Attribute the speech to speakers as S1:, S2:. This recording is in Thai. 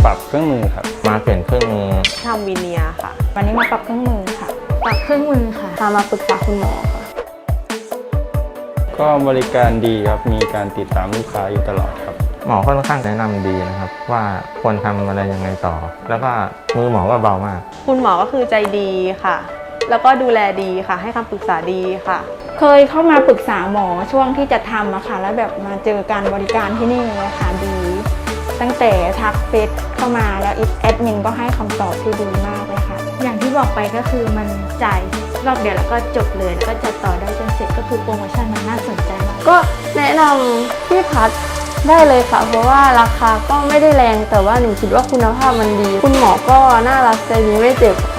S1: ปรับเครื่องมือครับ
S2: มาเปลี่ยนเครื่องมือ
S3: ทำวีเนียร์ค่ะ
S4: วันนี้มาปรับเครื่องมือค่ะ
S5: ปรับเครื่องมือค่ะพามาปรึกษาคุณหมอค่ะ
S1: ก็บริการดีครับมีการติดตามลูกค้าอยู่ตลอดครับ
S2: หมอค่อนข้างแนะนำดีนะครับว่าควรทำอะไรยังไงต่อแล้วก็มือหมอก็เบามาก
S3: คุณหมอก็คือใจดีค่ะแล้วก็ดูแลดีค่ะให้คำปรึกษาดีค่ะ
S4: เคยเข้ามาปรึกษาหมอช่วงที่จะทำอะค่ะแล้วแบบมาเจอการบริการที่นี่เลยค่ะดีตั้งแต่ทักเฟซเข้ามาแล้วแอดมินก็ให้คำตอบที่ดีมากเลยค่ะ
S5: อย่างที่บอกไปก็คือมันจ่ายรอบเดียวแล้วก็จบเลยแล้วก็จะต่อได้จนเสร็จก็คือโปรโมชั่นมันน่าสนใจมาก
S6: ก็แนะนำพี่พัดได้เลยค่ะเพราะว่าราคาก็ไม่ได้แรงแต่ว่าหนูคิดว่าคุณภาพมันดีคุณหมอก็น่ารักใจดีไม่เจ็บ